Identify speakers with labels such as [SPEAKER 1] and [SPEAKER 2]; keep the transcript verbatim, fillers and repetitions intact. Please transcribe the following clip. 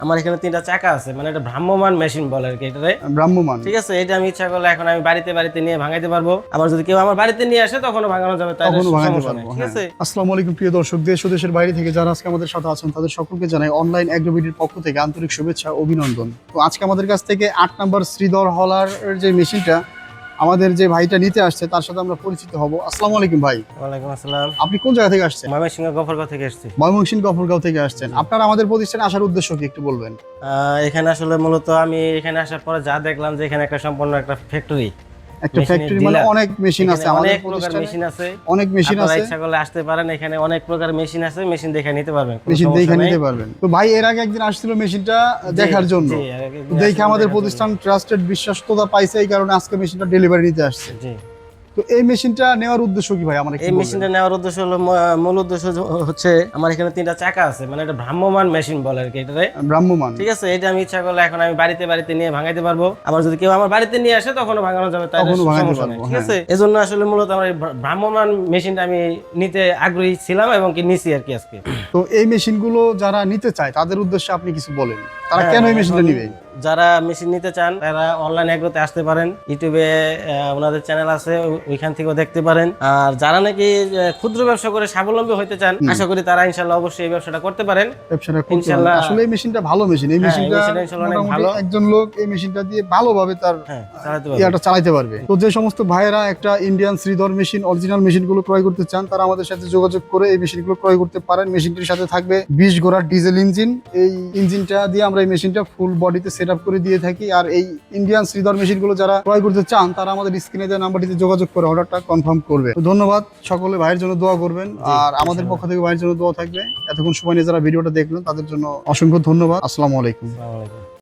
[SPEAKER 1] আমার এখানে তিনটা চাকা আছে, মানে এটা ভ্রাম্যমান মেশিন বলে আর কি এটারে,
[SPEAKER 2] ভ্রাম্যমান।
[SPEAKER 1] ঠিক আছে। এটা আমি ইচ্ছা করলে এখন আমি বাড়িতে বাড়িতে নিয়ে ভাঙাইতে পারবো, আবার যদি কেউ আমার বাড়িতে নিয়ে আসে তখনও ভাঙানো যাবে, তাই
[SPEAKER 2] তখনও ভাঙাতে
[SPEAKER 1] সমস্যা নেই,
[SPEAKER 2] পারবো,
[SPEAKER 1] ঠিক
[SPEAKER 2] হ্যাঁ।
[SPEAKER 1] আছে।
[SPEAKER 2] আসসালামু আলাইকুম প্রিয় দর্শক, দেশ ও দেশের বাইরে থেকে যারা আজকে আমাদের সাথে আছেন তাদের সকলকে জানাই অনলাইন অ্যাগ্রোবিডির পক্ষ থেকে আন্তরিক শুভেচ্ছা, অভিনন্দন। তো আজকে আমাদের কাছ থেকে আট নাম্বার শ্রীধর হলার যে মেশিনটা আমাদের যে ভাইটা নিতে আসছে তার সাথে আমরা পরিচিত হব। আসসালামু আলাইকুম ভাই।
[SPEAKER 1] ওয়ালাইকুম আসসালাম।
[SPEAKER 2] আপনি কোন জায়গা থেকে আসছেন?
[SPEAKER 1] ময়মনসিংহ গফরগাঁও থেকে এসেছি।
[SPEAKER 2] ময়মনসিংহ গফরগাঁও থেকে আসছেন। আপনার আমাদের প্রতিষ্ঠানে আসার উদ্দেশ্য কি একটু বলবেন?
[SPEAKER 1] আহ, এখানে আসলে মূলত আমি এখানে আসার পরে যা দেখলাম যে এখানে একটা সম্পূর্ণ একটা ফ্যাক্টরি,
[SPEAKER 2] একটা ফ্যাক্টরি, মানে অনেক মেশিন আছে আমাদের
[SPEAKER 1] অনেক প্রকার
[SPEAKER 2] প্রতিষ্ঠানে,
[SPEAKER 1] মেশিন আছে,
[SPEAKER 2] অনেক মেশিন
[SPEAKER 1] আপনারা
[SPEAKER 2] আছে।
[SPEAKER 1] ইচ্ছা করলে আসতে পারেন, এখানে অনেক প্রকার মেশিন আছে, মেশিন দেখে নিতে পারবেন, কোনো
[SPEAKER 2] মেশিন
[SPEAKER 1] সমস্যা
[SPEAKER 2] দেখে
[SPEAKER 1] নেই।
[SPEAKER 2] নিতে পারবেন। তো ভাই এর আগে একদিন আসছিল মেশিনটা দেখার জন্য,
[SPEAKER 1] জি, আর একদিন
[SPEAKER 2] তো দেখে
[SPEAKER 1] আসলে
[SPEAKER 2] আমাদের
[SPEAKER 1] দেখার
[SPEAKER 2] প্রতিষ্ঠান ট্রাস্টেড বিশ্বস্ততা পাইছে, এই কারণে আজকে মেশিনটা ডেলিভারি নিতে আসছে।
[SPEAKER 1] জন্য। জি,
[SPEAKER 2] তো এই মেশিনটা নেওয়ার উদ্দেশ্য কি ভাই আমার একটু
[SPEAKER 1] এই
[SPEAKER 2] বলবেন?
[SPEAKER 1] মেশিনটা নেওয়ার উদ্দেশ্য হলো ম- মূল উদ্দেশ্য হ- হচ্ছে আমার এখানে তিনটা চাকা আছে, মানে এটা ভ্রাম্যমান মেশিন বলে আর কি এটারে,
[SPEAKER 2] ভ্রাম্যমান।
[SPEAKER 1] ঠিক আছে। এটা আমি ইচ্ছা করলে এখন আমি বাড়িতে বাড়িতে নিয়ে ভাঙাইতে পারবো, আবার যদি কেউ আমার বাড়িতে নিয়ে আসে তখনও ভাঙানো যাবে, তাই
[SPEAKER 2] তখনও ভাঙাতে
[SPEAKER 1] সমস্যা নেই,
[SPEAKER 2] পারবো,
[SPEAKER 1] ঠিক
[SPEAKER 2] হ্যাঁ।
[SPEAKER 1] আছে। এজন্য আসলে মূলত আমার এই ভ্রা- ভ্রাম্যমান মেশিনটা আমি নিতে আগ্রহী ছিলাম এবং কি নিছি আর কি আজকে।
[SPEAKER 2] তো এই মেশিনগুলো যারা নিতে চায় তাদের উদ্দেশ্যে আপনি কিছু বলেন, তারা
[SPEAKER 1] হ্যাঁ,
[SPEAKER 2] কেন এই মেশিনটা
[SPEAKER 1] এখন
[SPEAKER 2] নিবে?
[SPEAKER 1] যারা মেশিন নিতে চান তারা অনলাইন এগ্রোতে আসতে পারেন, ইউটিউবে আহ, ওনাদের চ্যানেল আছে, ওই- ওইখান থেকেও দেখতে পারেন। আর যারা নাকি আহ, ক্ষুদ্র ব্যবসা করে স্বাবলম্বী হতে চান, আশা করি তারা ইনশাল্লাহ অবশ্যই এই ব্যবসাটা করতে পারেন।
[SPEAKER 2] ব্যবসাটা করতে পারেন।
[SPEAKER 1] ইনশাল্লাহ।
[SPEAKER 2] আসলে এই মেশিনটা ভালো মেশিন, এই
[SPEAKER 1] হ্যাঁ, এই
[SPEAKER 2] মেশিনটা
[SPEAKER 1] মেশিনটা ইনশাল্লাহ অনেক
[SPEAKER 2] মোটামুটি
[SPEAKER 1] ভালো।
[SPEAKER 2] একজন লোক এই মেশিনটা দিয়ে ভালোভাবে তার
[SPEAKER 1] হ্যাঁ, চালাতে পারবেন।
[SPEAKER 2] ইয়াটা চালাতে পারবে। তো যে সমস্ত ভাইয়েরা একটা ইন্ডিয়ান শ্রীধর মেশিন, অরিজিনাল মেশিনগুলো ক্রয় করতে চান, তারা আমাদের সাথে যোগাযোগ করে এই মেশিনগুলো ক্রয় করতে পারেন। মেশিনটির সাথে থাকবে বিশ ঘোড়ার ডিজেল ইঞ্জিন। এই ইঞ্জিনটা দিয়ে আমরা এই মেশিনটা ফুল বডিতে সেট আপ করে দিয়ে থাকি। আর এই ইন্ডিয়ান শ্রীধর মেশিনগুলো যারা ক্রয় করতে চান তারা আমাদের স্ক্রিনে দেওয়া নাম্বারটিতে যোগাযোগ করে অর্ডারটা কনফার্ম করবে। তো ধন্যবাদ, সকলে ভাইয়ের জন্য দোয়া করবেন, আর আমাদের পক্ষ থেকে ভাইয়ের জন্য দোয়া থাকবে। এতক্ষণ সময় নিয়ে যারা ভিডিওটা দেখলেন তাদের জন্য অসংখ্য ধন্যবাদ। আসসালামু আলাইকুম।
[SPEAKER 1] আসসালামু আলাইকুম।